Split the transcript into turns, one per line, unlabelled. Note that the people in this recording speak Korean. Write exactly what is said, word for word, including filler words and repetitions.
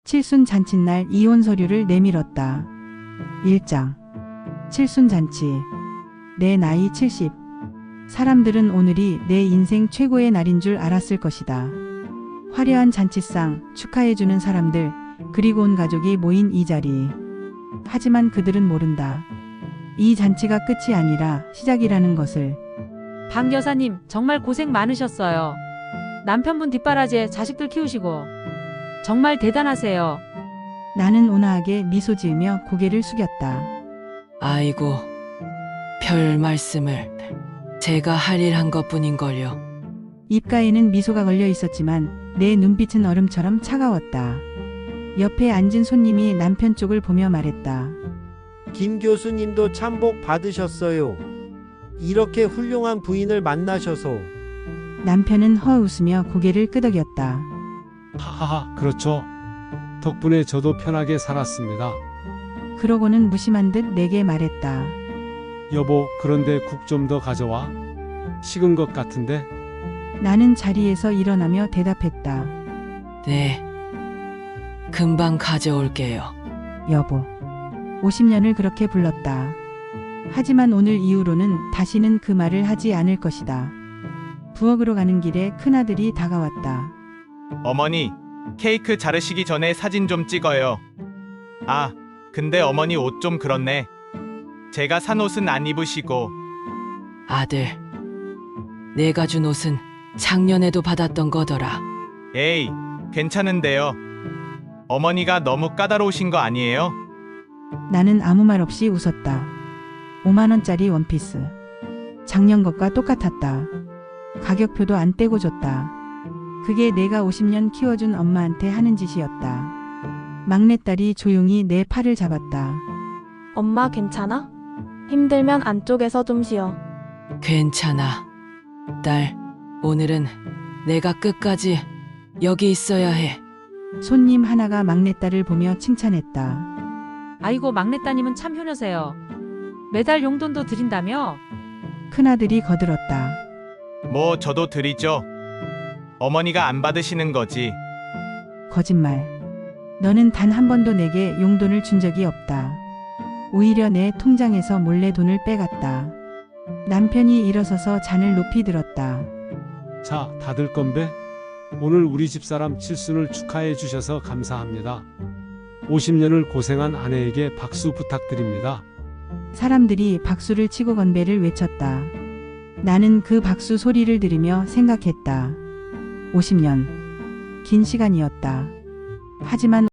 칠순 잔칫날 이혼 서류를 내밀었다. 일 장. 칠순 잔치. 내 나이 칠십. 사람들은 오늘이 내 인생 최고의 날인 줄 알았을 것이다. 화려한 잔치상, 축하해주는 사람들, 그리고 온 가족이 모인 이 자리. 하지만 그들은 모른다. 이 잔치가 끝이 아니라 시작이라는 것을.
박 여사님, 정말 고생 많으셨어요. 남편분 뒷바라지에 자식들 키우시고 정말 대단하세요.
나는 온화하게 미소 지으며 고개를 숙였다.
아이고, 별 말씀을. 제가 할 일 한 것뿐인걸요.
입가에는 미소가 걸려 있었지만 내 눈빛은 얼음처럼 차가웠다. 옆에 앉은 손님이 남편 쪽을 보며 말했다.
김 교수님도 참 복 받으셨어요. 이렇게 훌륭한 부인을 만나셔서.
남편은 허 웃으며 고개를 끄덕였다.
하하하, 그렇죠. 덕분에 저도 편하게 살았습니다.
그러고는 무심한 듯 내게 말했다.
여보, 그런데 국 좀 더 가져와. 식은 것 같은데.
나는 자리에서 일어나며 대답했다.
네. 금방 가져올게요.
여보. 오십 년을 그렇게 불렀다. 하지만 오늘 이후로는 다시는 그 말을 하지 않을 것이다. 부엌으로 가는 길에 큰아들이 다가왔다.
어머니, 케이크 자르시기 전에 사진 좀 찍어요. 아, 근데 어머니 옷 좀 그렇네. 제가 산 옷은 안 입으시고.
아들, 내가 준 옷은 작년에도 받았던 거더라.
에이, 괜찮은데요. 어머니가 너무 까다로우신 거 아니에요?
나는 아무 말 없이 웃었다. 오만 원짜리 원피스. 작년 것과 똑같았다. 가격표도 안 떼고 줬다. 그게 내가 오십 년 키워준 엄마한테 하는 짓이었다. 막내딸이 조용히 내 팔을 잡았다.
엄마 괜찮아? 힘들면 안쪽에서 좀 쉬어.
괜찮아. 딸, 오늘은 내가 끝까지 여기 있어야 해.
손님 하나가 막내딸을 보며 칭찬했다.
아이고, 막내따님은 참 효녀세요. 매달 용돈도 드린다며?
큰아들이 거들었다.
뭐 저도 드리죠. 어머니가 안 받으시는 거지.
거짓말. 너는 단 한 번도 내게 용돈을 준 적이 없다. 오히려 내 통장에서 몰래 돈을 빼갔다. 남편이 일어서서 잔을 높이 들었다.
자, 다들 건배. 오늘 우리 집사람 칠순을 축하해 주셔서 감사합니다. 오십 년을 고생한 아내에게 박수 부탁드립니다.
사람들이 박수를 치고 건배를 외쳤다. 나는 그 박수 소리를 들으며 생각했다. 오십 년. 긴 시간이었다. 하지만